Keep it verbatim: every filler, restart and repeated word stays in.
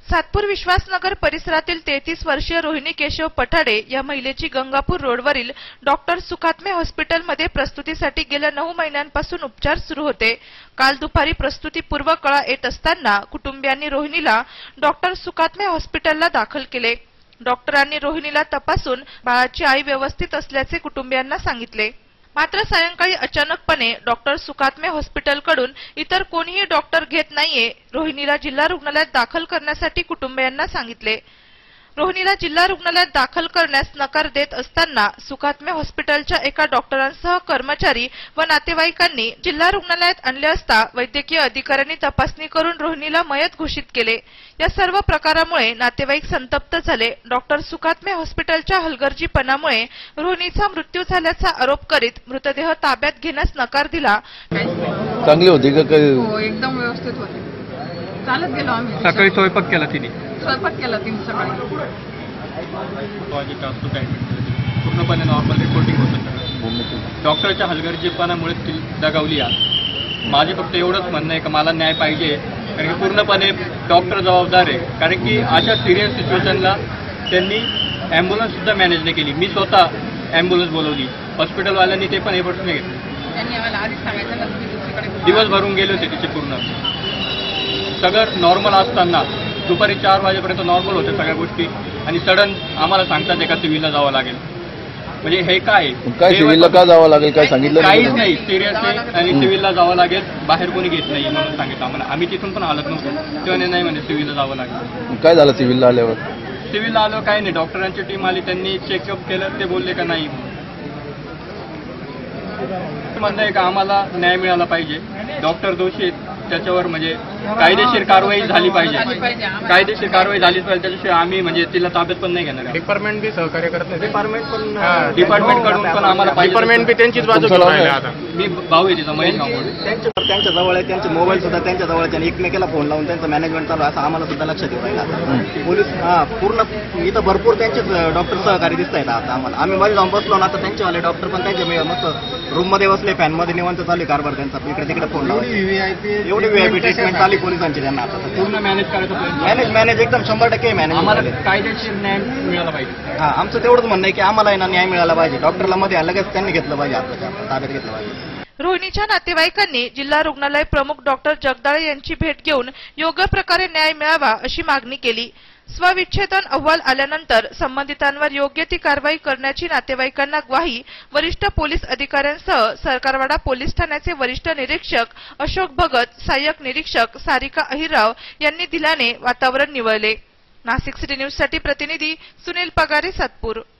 सातपूर विश्वासनगर परिसरातील तेहतीस वर्षीय रोहिणी केशव पठाडे या महिलेची गंगापूर रोडवरील डॉक्टर सुखात्मे हॉस्पिटलमध्ये प्रस्तुतीसाठी गेल्या नऊ महिन्यांपासून उपचार सुरू होते। काल दुपारी प्रस्तुतीपूर्व कळा येत असताना कुटुंबियांनी रोहिणीला डॉक्टर सुखात्मे हॉस्पिटलला दाखल केले। डॉक्टरांनी रोहिणीला तपासून बाळाची आई व्यवस्थित असल्याचे कुटुंबियांना सांगितले। मात्र सायंकाळी अचानकपणे डॉक्टर सुखात्मे हॉस्पिटलकडून इतर कोणीही डॉक्टर घेत नाहीये, रोहिणीला जिल्हा रुग्णालयात दाखल करण्यासाठी कुटुंबियांना सांगितले। रोहिणीला जिल्हा रुग्णालयात दाखल करण्यास नकार देत असताना सुखात्मे हॉस्पिटलच्या एका डॉक्टरांसह कर्मचारी व नातेवाईकांनी जिल्हा रुग्णालयात आणले असता वैद्यकीय अधिकाऱ्यांनी तपासणी करून रोहिणीला मयत घोषित केले। या सर्व प्रकारामुळे नातेवाईक संतप्त झाले। डॉक्टर सुखात्मे हॉस्पिटलच्या हलगर्जीपणामुळे रोहिणीचा मृत्यू झाल्याचा आरोप करीत मृतदेह ताब्यात घेण्यास नकार दिला। चांगली होती का? हो, एकदम व्यवस्थित होती। चालत गेलो आम्ही। सकाळी स्वयंपाक केला तिने स्वयंपाक केला तिने सकाळी। पूर्णपणे नॉर्मल रिपोर्टिंग होतं। डॉक्टरच्या हलगर्जीपणामुळे ती दगावली आहे। माझे फक्त एवढंच म्हणणं आहे की मला न्याय पाहिजे, कारण की पूर्णपणे डॉक्टर जबाबदार आहे। कारण की अशा सिरियस सिच्युएशनला त्यांनी ॲम्ब्युलन्स सुद्धा मॅनेज नाही केली। मी स्वतः ॲम्ब्युलन्स बोलवली, हॉस्पिटलवाल्यांनी ते पण एफर्ट्स नाही घेतले। त्यांनी आम्हाला आधीच सांगायचं ना तुम्ही दुसरीकडे दिवस भरून गेले होते तिचे पूर्ण। सगळं नॉर्मल असताना दुपारी चार वाजेपर्यंत नॉर्मल होते सगळ्या गोष्टी, आणि सडन आम्हाला सांगतात एका सिव्हिलला जावं लागेल। म्हणजे हे काय काय सिव्हिलला का जावं लागेल काय सांगितलं? काहीच नाही, सिरियस आहे आणि सिव्हिलला जावं लागेल, बाहेर कोणी घेत नाही म्हणून सांगितलं आम्हाला। आम्ही तिथून पण आलत नव्हतो, तेव्हा नाही म्हणजे सिव्हिलला जावं लागेल। काय झालं सिव्हिलला आल्यावर? सिव्हिलला आलो काय नाही, डॉक्टरांची टीम आली, त्यांनी चेकअप केलं, ते बोलले का नाही। म्हणणं आहे का आम्हाला न्याय मिळाला पाहिजे। डॉक्टर दोषी आहेत, त्याच्यावर म्हणजे कायदेशीर कारवाई झाली पाहिजे। कायदेशीर कारवाई झालीच पाहिजे, त्याच्याशिवाय आम्ही म्हणजे तिला ताब्यात पण नाही घेणार। डिपार्टमेंट बी सहकार्य करत नाही। डिपार्टमेंट पण डिपार्टमेंट कडून पण आम्हाला पाहिजे। डिपार्टमेंट बी त्यांचीच बाजू घेऊन राहिले। आता मी भाऊ आहे तिचा, महेश गावडे, त्यांच्या जवळ आहे, त्यांचे मोबाईल सुद्धा त्यांच्या जवळ आहे। एकमेकाला फोन लावून त्यांचं मॅनेजमेंट चालू असं आम्हाला सुद्धा लक्षात येऊ राहिलं। पोलीस हा पूर्ण इथं भरपूर त्यांचेच डॉक्टर सहकारी दिसत आहेत आता आम्हाला। आम्ही मध्ये जाऊन बसलो ना, आता त्यांचेवाले डॉक्टर पण त्यांच्या मस्त रूम मध्ये बसले, फॅन मध्ये निवांत चालू कारभार त्यांचा, इकडे तिकडे फोन लावून एवढी व्हीआयपी ट्रीटमेंट चालू पोलिसांची त्यांना। आता पूर्ण मॅनेज करायचं, मॅनेज मॅनेज एकदम शंभर टक्के मॅनेज। आम्हाला कायदेशीर न्याय मिळाला पाहिजे। हा, आमचं तेवढंच म्हणणं आहे की आम्हाला ना न्याय मिळाला पाहिजे। डॉक्टरला मध्ये लगेच त्यांनी घेतलं पाहिजे, आपल्या ताब्यात घेतलं पाहिजे। रोहिणीच्या नातेवाईकांनी जिल्हा रुग्णालय प्रमुख डॉक्टर जगदाळे यांची भेट घेऊन योग्य प्रकारे न्याय मिळावा अशी मागणी केली। स्वविच्छेदन अहवाल आल्यानंतर संबंधितांवर योग्य ती कारवाई करण्याची नातेवाईकांना ग्वाही वरिष्ठ पोलीस अधिकाऱ्यांसह सरकारवाडा पोलीस ठाण्याचे वरिष्ठ निरीक्षक अशोक भगत, सहाय्यक निरीक्षक सारिका अहिरराव यांनी दिल्याने वातावरण निवळले। नाशिक सिटी न्यूज साठी प्रतिनिधी सुनील पगारे, सातपूर।